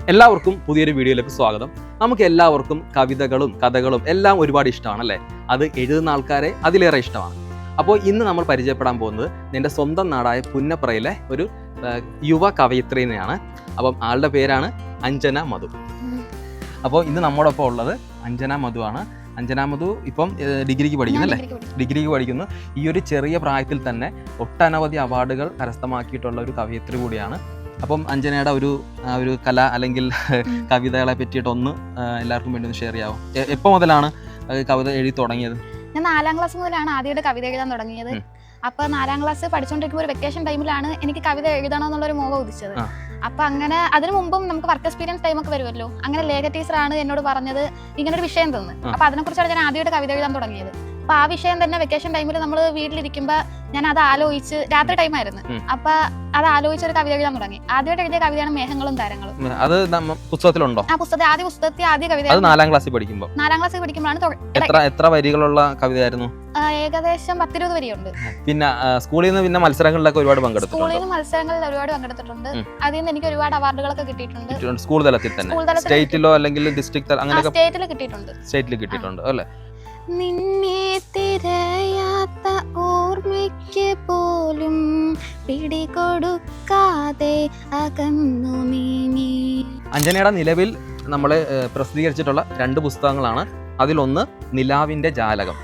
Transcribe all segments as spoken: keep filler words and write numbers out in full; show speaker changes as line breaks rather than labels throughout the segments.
എല്ലാവർക്കും പുതിയൊരു വീഡിയോയിലേക്ക് സ്വാഗതം. നമുക്ക് എല്ലാവർക്കും കവിതകളും കഥകളും എല്ലാം ഒരുപാട് ഇഷ്ടമാണ് അല്ലേ? അത് എഴുതുന്ന ആൾക്കാരെ അതിലേറെ ഇഷ്ടമാണ്. അപ്പോൾ ഇന്ന് നമ്മൾ പരിചയപ്പെടാൻ പോകുന്നത് എൻ്റെ സ്വന്തം നാടായ പുന്നപ്രയിലെ ഒരു യുവ കവയിത്രിനെയാണ്. അപ്പം ആളുടെ പേരാണ് അഞ്ജന മധു. അപ്പോൾ ഇന്ന് നമ്മോടൊപ്പം ഉള്ളത് അഞ്ജന മധു ആണ്. അഞ്ജന മധു ഇപ്പം ഡിഗ്രിക്ക് പഠിക്കുന്നു അല്ലേ? ഡിഗ്രിക്ക് പഠിക്കുന്നു. ഈ ഒരു ചെറിയ പ്രായത്തിൽ തന്നെ ഒട്ടനവധി അവാർഡുകൾ കരസ്ഥമാക്കിയിട്ടുള്ള ഒരു കവയിത്രി കൂടിയാണ്. അപ്പം അഞ്ജനയുടെ ഒരു ഒരു കല അല്ലെങ്കിൽ കവിതകളെ പറ്റിയിട്ട് ഒന്ന് എല്ലാവർക്കും വേണ്ടി ഒന്ന് ഷെയർ ചെയ്യാമോ? എപ്പോൾ മുതലാണ് കവിത എഴുതി തുടങ്ങിയത്?
ഞാൻ നാലാം ക്ലാസ് മുതലാണ് ആദ്യമായിട്ട് കവിത എഴുതാൻ തുടങ്ങിയത്. അപ്പൊ നാലാം ക്ലാസ് പഠിച്ചുകൊണ്ടിരിക്കുമ്പോൾ ഒരു വെക്കേഷൻ ടൈമിലാണ് എനിക്ക് കവിത എഴുതണം എന്നുള്ളൊരു മോഹം ഉദിച്ചത്. അപ്പൊ അങ്ങനെ അതിനു മുമ്പും നമുക്ക് വർക്ക് എക്സ്പീരിയൻസ് ടൈം ഒക്കെ വരുമല്ലോ. അങ്ങനെ ലേഖ ടീച്ചറാണ് എന്നോട് പറഞ്ഞത് ഇങ്ങനെ ഒരു വിഷയം തന്നു. അപ്പൊ അതിനെ കുറിച്ചാണ് ഞാൻ ആദ്യമായിട്ട് കവിത എഴുതാൻ തുടങ്ങിയത്. അപ്പൊ ആ വിഷയം തന്നെ വെക്കേഷൻ ടൈമിൽ നമ്മൾ വീട്ടിലിരിക്കുമ്പോ ഞാൻ അത് ആലോചിച്ച്, രാത്രി ടൈം ആയിരുന്നു, അപ്പൊ അത് ആലോചിച്ച് ഒരു കവിത എഴുതാൻ തുടങ്ങി. ആദ്യമായിട്ട് എഴുതിയ കവിതയാണ് മേഘങ്ങളും താരങ്ങളും.
അത് പുസ്തകത്തിലുണ്ടോ?
ആ പുസ്തകത്തിൽ ആദ്യ പുസ്തകത്തിൽ ആദ്യ കവിത
നാലാം ക്ലാസ്സിൽ പഠിക്കുമ്പോൾ നാലാം
ക്ലാസ്സിൽ പഠിക്കുമ്പോഴാണ്.
എത്ര എത്ര വരികളുള്ള കവിതയായിരുന്നു?
ഏകദേശം പത്തിരുപത് വരിയുണ്ട്.
പിന്നെ സ്കൂളിൽ നിന്ന് പിന്നെ മത്സരങ്ങളിലൊക്കെ ഒരുപാട് പങ്കെടുത്തു.
സ്കൂളിൽ നിന്ന് മത്സരങ്ങളിൽ ഒരുപാട് പങ്കെടുത്തിട്ടുണ്ട്. അതിൽ നിന്ന് എനിക്ക് ഒരുപാട് അവാർഡുകളൊക്കെ കിട്ടിയിട്ടുണ്ട്.
സ്കൂൾ തലത്തിൽ തന്നെ? സ്റ്റേറ്റിലോ അല്ലെങ്കിൽ ഡിസ്ട്രിക്ട് അങ്ങനെ
സ്റ്റേറ്റിൽ കിട്ടിയിട്ടുണ്ട്.
സ്റ്റേറ്റിൽ കിട്ടിയിട്ടുണ്ട് അല്ലേ?
നിന്നെ തിരയാത്ത ഓർമ്മയ്ക്ക് പോലും പിടികൊടുക്കാതെ അകന്നു നീങ്ങി.
അഞ്ജനയുടെ നിലവിൽ നമ്മൾ പ്രസിദ്ധീകരിച്ചിട്ടുള്ള രണ്ട് പുസ്തകങ്ങളാണ്. അതിലൊന്ന് നിലാവിന്റെ ജാലകം,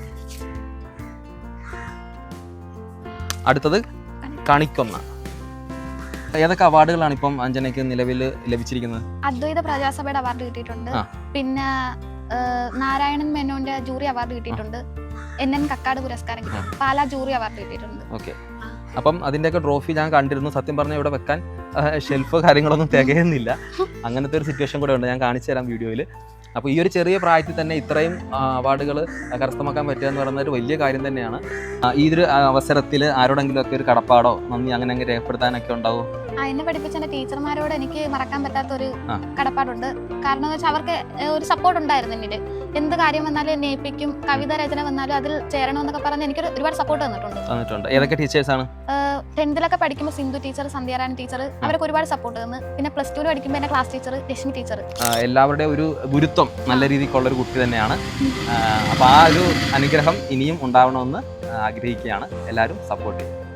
അടുത്തത് കണിക്കൊന്ന. ഏതൊക്കെ അവാർഡുകളാണ് ഇപ്പം അഞ്ജനയ്ക്ക് നിലവിൽ ലഭിച്ചിരിക്കുന്നത്?
അദ്വൈത പ്രജാസഭയുടെ അവാർഡ് കിട്ടിയിട്ടുണ്ട്. പിന്നെ നാരായണൻ മേനോന്റെ ജൂറി അവാർഡ് കിട്ടിയിട്ടുണ്ട്. എൻ എൻ കക്കാട് പുരസ്കാരം കിട്ടി. പാലാ ജൂറി അവാർഡ് കിട്ടിയിട്ടുണ്ട്.
ഓക്കെ. അപ്പം അതിന്റെയൊക്കെ ട്രോഫി ഞാൻ കണ്ടിരുന്നു. സത്യം പറഞ്ഞാൽ ഇവിടെ വെക്കാൻ ഷെൽഫ് കാര്യങ്ങളൊന്നും തികയുന്നില്ല. അങ്ങനത്തെ ഒരു സിറ്റുവേഷൻ കൂടെ ഉണ്ട്. ഞാൻ കാണിച്ചു തരാം വീഡിയോയിൽ. അപ്പോൾ ഈ ഒരു ചെറിയ പ്രായത്തിൽ തന്നെ ഇത്രയും അവാർഡുകൾ കരസ്ഥമാക്കാൻ പറ്റുക എന്ന് പറയുന്നത് ഒരു വലിയ കാര്യം തന്നെയാണ്. ഈ ഒരു അവസരത്തിൽ ആരോടെങ്കിലും ഒക്കെ ഒരു കടപ്പാടോ നന്ദി അങ്ങനെ അങ്ങനെ രേഖപ്പെടുത്താനൊക്കെ ഉണ്ടാവും?
എന്നെ പഠിപ്പിച്ച എന്റെ ടീച്ചർമാരോട് എനിക്ക് മറക്കാൻ പറ്റാത്ത ഒരു കടപ്പാടുണ്ട്. കാരണം എന്ന് വെച്ചാൽ അവർക്ക് ഒരു സപ്പോർട്ട് ഉണ്ടായിരുന്നു എന്നിട്ട്. എന്ത് കാര്യം വന്നാലും എന്നെ ഏൽപ്പിക്കും. കവിത രചന വന്നാലും അതിൽ ചേരണമെന്നൊക്കെ പറഞ്ഞ് എനിക്ക് ഒരുപാട് സപ്പോർട്ട് തന്നിട്ടുണ്ട്.
ഏതൊക്കെ ടീച്ചേഴ്സാണ്?
ടെൻത്തിലൊക്കെ പഠിക്കുമ്പോൾ സിന്ധു ടീച്ചർ, സന്ധ്യാറാണി ടീച്ചർ, അവരൊക്കെ ഒരുപാട് സപ്പോർട്ട് തന്നു. പിന്നെ പ്ലസ് ടുവിൽ പഠിക്കുമ്പോൾ എന്റെ ക്ലാസ് ടീച്ചർ രശ്മി ടീച്ചർ.
എല്ലാവരുടെയും ഒരു ഗുരുത്വം നല്ല രീതിക്കുള്ള ഒരു കുട്ടി തന്നെയാണ്. അപ്പോൾ ആ ഒരു അനുഗ്രഹം ഇനിയും ഉണ്ടാവണമെന്ന് ആഗ്രഹിക്കുകയാണ്. എല്ലാവരും സപ്പോർട്ട് ചെയ്യും.